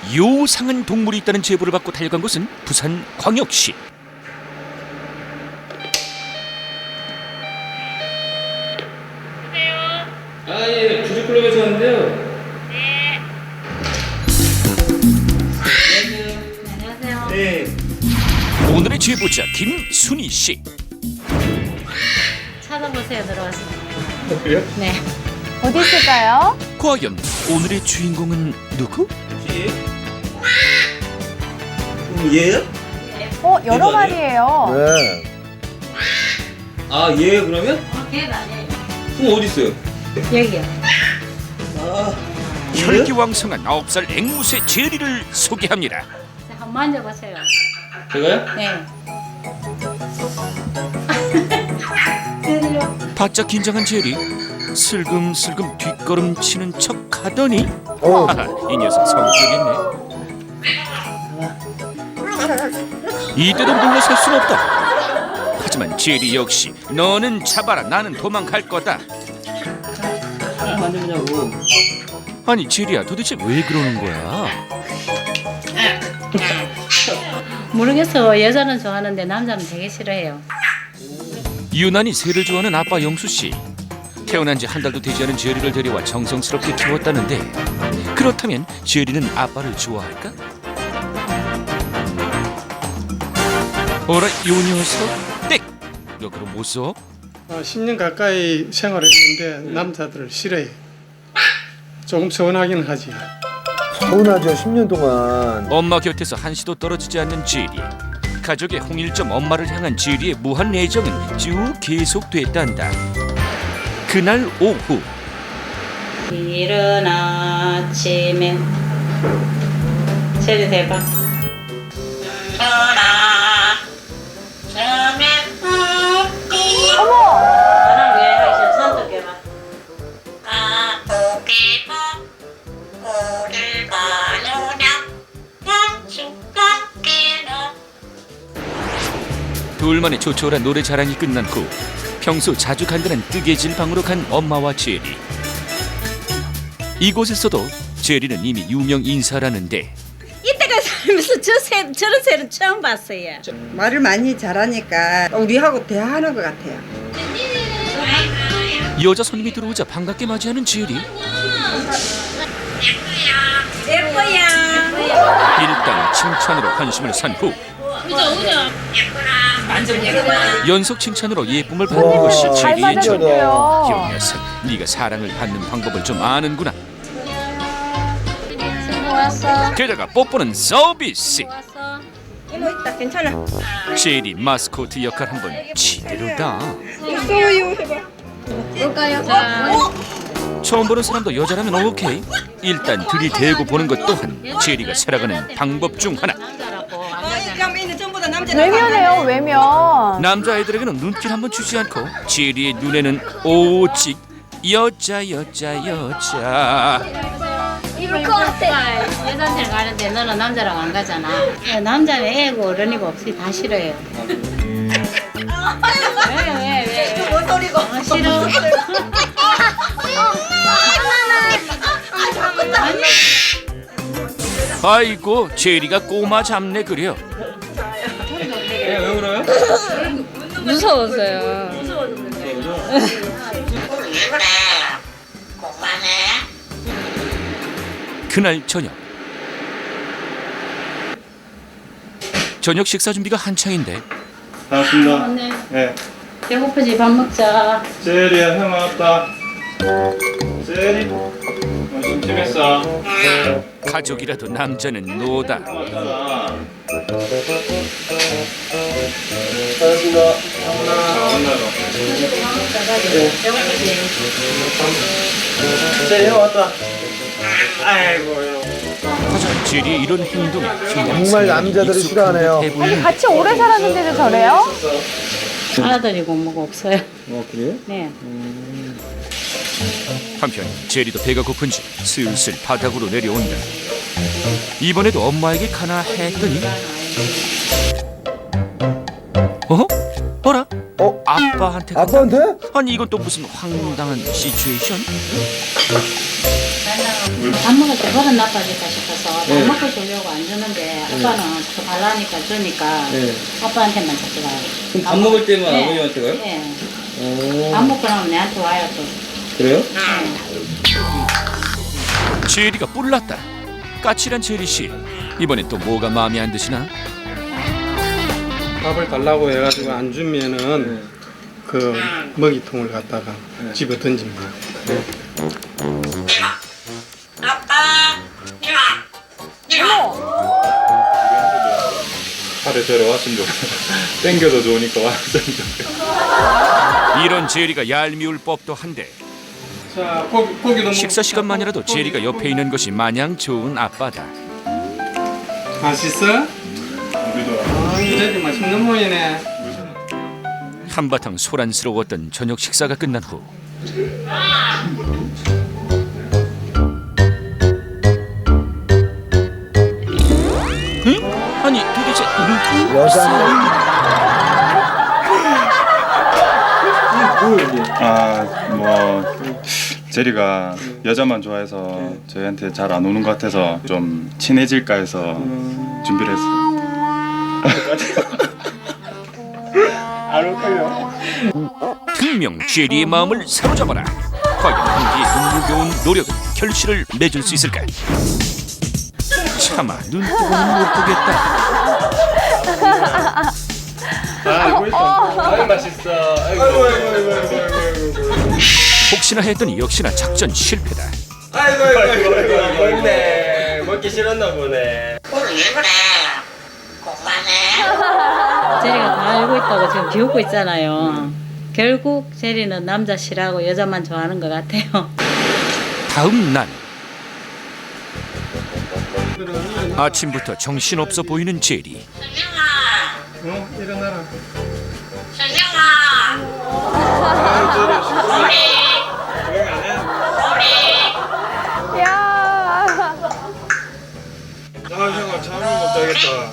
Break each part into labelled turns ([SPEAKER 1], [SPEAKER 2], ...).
[SPEAKER 1] 요상한 동물이 있다는 제보를 받고 달려간 곳은 부산 광역시.
[SPEAKER 2] 예, 부지클럽에서 왔는데요.
[SPEAKER 3] 안녕하세요.
[SPEAKER 2] 네.
[SPEAKER 1] 오늘의 제보자 김순희 씨.
[SPEAKER 3] 찾아보세요. 들어왔습니다.
[SPEAKER 2] 그래요?
[SPEAKER 3] 네.
[SPEAKER 4] 어디 있을까요?
[SPEAKER 1] 과연 오늘의 주인공은 누구?
[SPEAKER 2] 얘요?
[SPEAKER 4] 여러
[SPEAKER 2] 이거
[SPEAKER 4] 마리예요.
[SPEAKER 5] 네.
[SPEAKER 2] 아, 얘 그러면?
[SPEAKER 3] 걔가 아니에요.
[SPEAKER 2] 그럼 어디 있어요?
[SPEAKER 3] 여기요.
[SPEAKER 2] 아,
[SPEAKER 1] 혈기왕성한 9살 앵무새 제리를 소개합니다.
[SPEAKER 3] 자, 한번 만져보세요.
[SPEAKER 2] 제가요?
[SPEAKER 3] 네.
[SPEAKER 1] 바짝 긴장한 제리 슬금슬금 뒷걸음치는 척하더니
[SPEAKER 5] 어.
[SPEAKER 1] 하하, 이 녀석 성격 있네. 이대로 물러설 순 없다. 하지만 제리 역시 너는 잡아라 나는 도망갈 거다.
[SPEAKER 2] 만져보냐고.
[SPEAKER 1] 아니 제리야 도대체 왜 그러는 거야?
[SPEAKER 3] 모르겠어. 여자는 좋아하는데 남자는 되게 싫어해요.
[SPEAKER 1] 유난히 새를 좋아하는 아빠 영수 씨. 태어난 지 한 달도 되지 않은 제리를 데려와 정성스럽게 키웠다는데 그렇다면 제리는 아빠를 좋아할까? 어라 요 녀석 땡! 역으로 못 써?
[SPEAKER 6] 10년 가까이 생활했는데 남자들을 싫어해. 조금 서운하긴 하지.
[SPEAKER 5] 서운하죠. 10년 동안.
[SPEAKER 1] 엄마 곁에서 한시도 떨어지지 않는 제리. 가족의 홍일점 엄마를 향한 제리의 무한 애정은 쭉 계속됐단다. 그날 오후
[SPEAKER 3] 이른 아침에 제리 대박.
[SPEAKER 4] 어머!
[SPEAKER 3] 나랑 왜 하셔? 선택해봐.
[SPEAKER 1] 둘만의 조촐한 노래 자랑이 끝난 후 평소 자주 간다는 뜨개질 방으로 간 엄마와 제리. 이곳에서도 제리는 이미 유명 인사라는데
[SPEAKER 3] 이때가 살면서 저런 새는 처음 봤어요.
[SPEAKER 7] 말을 많이 잘하니까 우리하고 대화하는 것 같아요.
[SPEAKER 1] 여자 손님이 들어오자 반갑게 맞이하는 제리.
[SPEAKER 3] 예뻐야.
[SPEAKER 1] 일단 칭찬으로 관심을 산 후 연속 칭찬으로 예쁨을 받는
[SPEAKER 5] 와,
[SPEAKER 1] 것이
[SPEAKER 4] 잘
[SPEAKER 1] 제리의 전.
[SPEAKER 4] 맞았는데요.
[SPEAKER 1] 이 녀석, 네가 사랑을 받는 방법을 좀 아는구나.
[SPEAKER 3] 왔어.
[SPEAKER 1] 게다가 뽀뽀는 서비스.
[SPEAKER 3] 왔어.
[SPEAKER 7] 이모 있다 괜찮아.
[SPEAKER 1] 제리 마스코트 역할 한번 지대로다.
[SPEAKER 7] 있어요 해봐.
[SPEAKER 3] 볼까요? 자,
[SPEAKER 4] 어?
[SPEAKER 1] 처음 보는 사람도 여자라면 오케이. 일단 들이대고 보는 것 또한 제리가 살아가는 방법 중 하나.
[SPEAKER 3] 남자라고.
[SPEAKER 7] 그럼 얘는 전부 다 남자.
[SPEAKER 4] 외면해요, 외면.
[SPEAKER 1] 남자아이들에게는 눈길 한번 주지 않고 제리의 눈에는 오직 여자.
[SPEAKER 3] 입을 것 같아. 여자한테 가는데 너는 남자랑 안 가잖아. 남자는 애고 어른이고 없이 다 싫어요. 왜?
[SPEAKER 7] 뭔 소리고?
[SPEAKER 3] 싫어. 아니.
[SPEAKER 1] 아이고 제리가 꼬마 잡내 그려.
[SPEAKER 2] 왜 울어요?
[SPEAKER 3] 무서웠어요.
[SPEAKER 1] 그날 저녁 식사 준비가 한창인데
[SPEAKER 6] 반갑습니다.
[SPEAKER 3] 네.
[SPEAKER 6] 네.
[SPEAKER 3] 배고프지? 밥 먹자.
[SPEAKER 6] 제리야 형 왔다. 제리. 심심했어.
[SPEAKER 1] 가족이라도 남자는 노다.
[SPEAKER 6] 왔잖아. 제리 형 왔다. 아이고 형.
[SPEAKER 1] 하지만 제리의 이런 행동에
[SPEAKER 5] 정말 남자들이 싫어하네요.
[SPEAKER 4] 아니, 같이 오래 살았는데도 저래요?
[SPEAKER 3] 아들이고 뭐고 없어요.
[SPEAKER 5] 그래요?
[SPEAKER 3] 네.
[SPEAKER 1] 한편 제리도 배가 고픈지 슬슬 바닥으로 내려온다. 이번에도 엄마에게 가나 했더니 어라? 아빠한테 간다?
[SPEAKER 5] 아빠한테?
[SPEAKER 1] 아니 이건 또 무슨 황당한 시츄에이션?
[SPEAKER 3] 밥 먹을 때 버릇 나빠질까 싶어서
[SPEAKER 2] 네.
[SPEAKER 3] 밥 먹고 주려고 안 주는데 아빠는 자꾸 달라니까 주니까
[SPEAKER 2] 네.
[SPEAKER 3] 아빠한테만 자꾸 가요.
[SPEAKER 2] 그럼 밥 먹을 때만
[SPEAKER 3] 네.
[SPEAKER 2] 아버님한테 가요?
[SPEAKER 3] 네.
[SPEAKER 2] 오.
[SPEAKER 3] 밥 먹고 나면 내한테 와요 또.
[SPEAKER 2] 그래요?
[SPEAKER 3] 네.
[SPEAKER 1] 제리가 뿔났다. 까칠한 제리 씨. 이번엔 또 뭐가 마음에 안 드시나?
[SPEAKER 8] 밥을 달라고 해가지고 안 주면은 그 먹이통을 갖다가 집어 던집니다.
[SPEAKER 6] 하루 저러 왔으면 좋겠어. 땡겨도 좋으니까 왔으면 좋겠어.
[SPEAKER 1] 이런 제리가 얄미울 법도 한데
[SPEAKER 8] 자, 고기도
[SPEAKER 1] 식사 시간만이라도 제리가 옆에 있는 것이 마냥 좋은 아빠다.
[SPEAKER 8] 맛있어? 아, 이제 맛있는 모이네.
[SPEAKER 1] 한바탕 소란스러웠던 저녁 식사가 끝난 후 응? 아니 도대체
[SPEAKER 5] 여자는
[SPEAKER 6] 뭐 제리가 여자만 좋아해서 저희한테 잘 안 오는 것 같아서 좀 친해질까 해서 준비를 했어요.
[SPEAKER 1] 분명 제리의 마음을 사로잡아라. 과연 한기의 눈물겨운 노력은 결실을 맺을 수 있을까? 차마 눈뜨고는 못 보겠다.
[SPEAKER 6] 아유 맛있어. 아이고.
[SPEAKER 1] 혹시나 했더니 역시나 작전 실패다.
[SPEAKER 2] 아이고 먹네. 먹기 싫었나 보네.
[SPEAKER 3] 제리가 다 알고 있다고 지금 비웃고 있잖아요. 결국 제리는 남자 싫어하고 여자만 좋아하는 것 같아요.
[SPEAKER 1] 다음 날 아침부터 정신없어 보이는 제리.
[SPEAKER 8] 일어나라.
[SPEAKER 4] 야.
[SPEAKER 6] 형아 잠을 못 자겠다.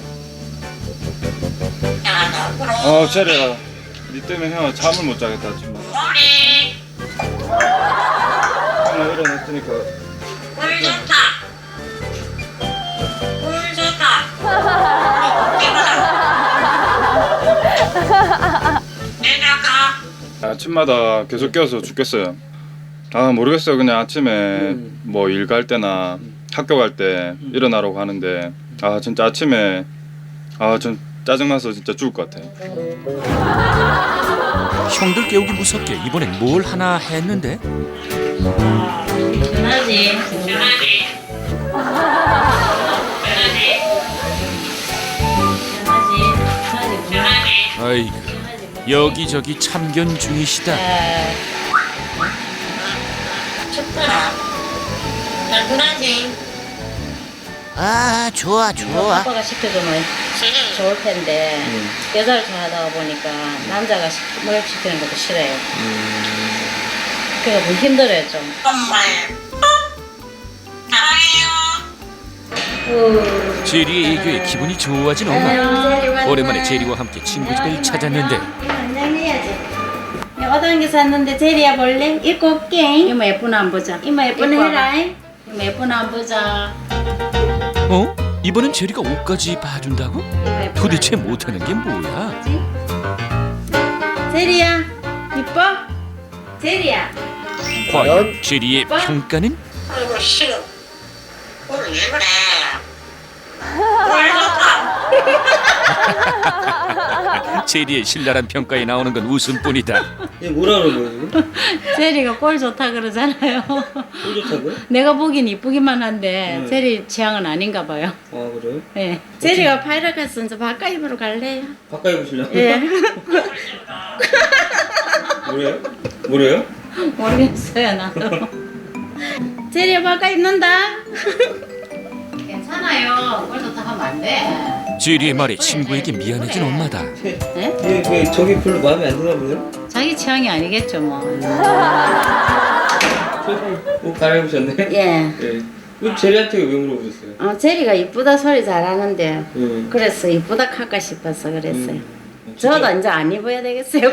[SPEAKER 6] 아 제리야, 니 때문에 형아 잠을 못 자겠다 정말. 형아 일어났으니까. 아침마다 계속 깨워서 죽겠어요. 아 모르겠어요. 그냥 아침에 뭐 일 갈 때나 학교 갈 때 일어나라고 하는데 아 진짜 아침에 좀 짜증나서 진짜 죽을 것 같아요.
[SPEAKER 1] 형들 깨우기 무섭게 이번엔 뭘 하나 했는데
[SPEAKER 3] 전화지.
[SPEAKER 1] 아이고 여기저기 참견 중이시다.
[SPEAKER 9] 아 좋아 좋아.
[SPEAKER 3] 아빠가 시켜주면 좋을 텐데 여자를 좋아하다 보니까 남자가 모욕시키는 것도 싫어요. 그러니까 좀 힘들어요 좀.
[SPEAKER 1] 제리의 애교에 기분이 좋아진 엄마. 오랜만에 제리와 함께 친구 집을 찾았는데
[SPEAKER 3] 안녕해야지. 어떤 게 샀는데 제리야 볼래? 입고 올게. 이모 예쁘나 안 보자. 이모 예쁘나 해라. 이모 예쁘나 안 보자.
[SPEAKER 1] 어? 이번엔 제리가 옷까지 봐준다고? 도대체 못하는 게 뭐야?
[SPEAKER 3] 제리야 이뻐? 제리야.
[SPEAKER 1] 과연 제리의 평가는? 제리의 신랄한 평가에 나오는 건 웃음뿐이다.
[SPEAKER 2] 얘 뭐라 그런 거예요 지금?
[SPEAKER 3] 제리가 꼴 좋다 그러잖아요.
[SPEAKER 2] 꼴 좋다고요?
[SPEAKER 3] 내가 보긴 이쁘기만 한데 제리 취향은 아닌가 봐요.
[SPEAKER 2] 아 그래요?
[SPEAKER 3] 네. 제리가 파이락 갔으면 저 바깥 입으로 갈래요?
[SPEAKER 2] 바꿔 입으시려고?
[SPEAKER 3] 예.
[SPEAKER 2] 뭐래요? 뭐래요?
[SPEAKER 3] 모르겠어요 나도. 제리야 바깥 입는다. 괜찮아요. 꼴 좋다 하면 안 돼.
[SPEAKER 1] 제리의 말에 친구에게 미안해진 엄마다.
[SPEAKER 3] 네?
[SPEAKER 2] 얘 저기 별로 마음에 안 드나 보네요?
[SPEAKER 3] 자기 취향이 아니겠죠 뭐.
[SPEAKER 2] 옷 갈아입으셨네?
[SPEAKER 3] 예.
[SPEAKER 2] 예. 왜 제리한테 왜 물어보셨어요?
[SPEAKER 3] 제리가 이쁘다 소리 잘하는데
[SPEAKER 2] 예.
[SPEAKER 3] 그래서 이쁘다 할까 싶어서 그랬어요.
[SPEAKER 2] 진짜?
[SPEAKER 3] 저도 이제 안 입어야 되겠어요.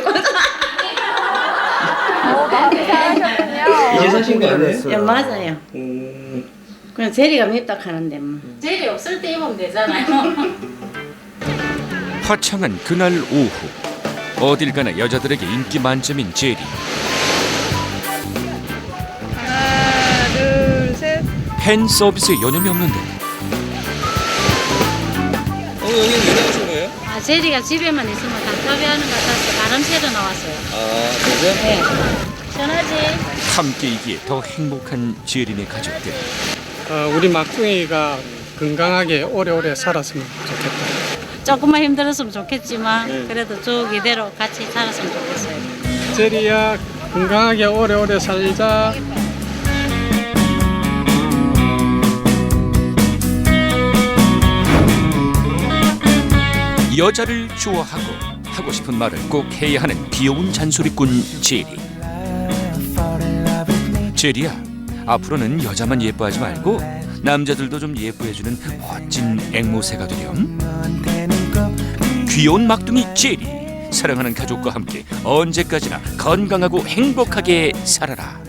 [SPEAKER 4] 마음이 상하셨군요.
[SPEAKER 2] 이제 사신 거 아니에요?
[SPEAKER 3] 예, 맞아요. 그냥 제리가 밉다 하는데 뭐. 제리 없을 때 입으면 되잖아요.
[SPEAKER 1] 화창한 그날 오후 어딜 가나 여자들에게 인기 만점인 제리.
[SPEAKER 7] 하나, 둘, 셋.
[SPEAKER 1] 팬 서비스에 여념이 없는데
[SPEAKER 2] 여기 왜 나오신 거예요?
[SPEAKER 3] 아 제리가 집에만 있으면 답답해하는 것 같아서 바람 쐬러 나왔어요.
[SPEAKER 2] 아 그래요?
[SPEAKER 3] 네. 시원하지?
[SPEAKER 1] 함께이기에 더 행복한 제리네 가족들.
[SPEAKER 8] 우리 막둥이가 건강하게 오래오래 살았으면 좋겠다.
[SPEAKER 3] 조금만 힘들었으면 좋겠지만 그래도 쭉 이대로 같이 살았으면 좋겠어요.
[SPEAKER 8] 제리야 건강하게 오래오래 살자.
[SPEAKER 1] 여자를 좋아하고 하고 싶은 말을 꼭 해야 하는 귀여운 잔소리꾼 제리. 제리야, 앞으로는 여자만 예뻐하지 말고 남자들도 좀 예뻐해주는 멋진 앵무새가 되렴. 귀여운 막둥이 제리, 사랑하는 가족과 함께 언제까지나 건강하고 행복하게 살아라.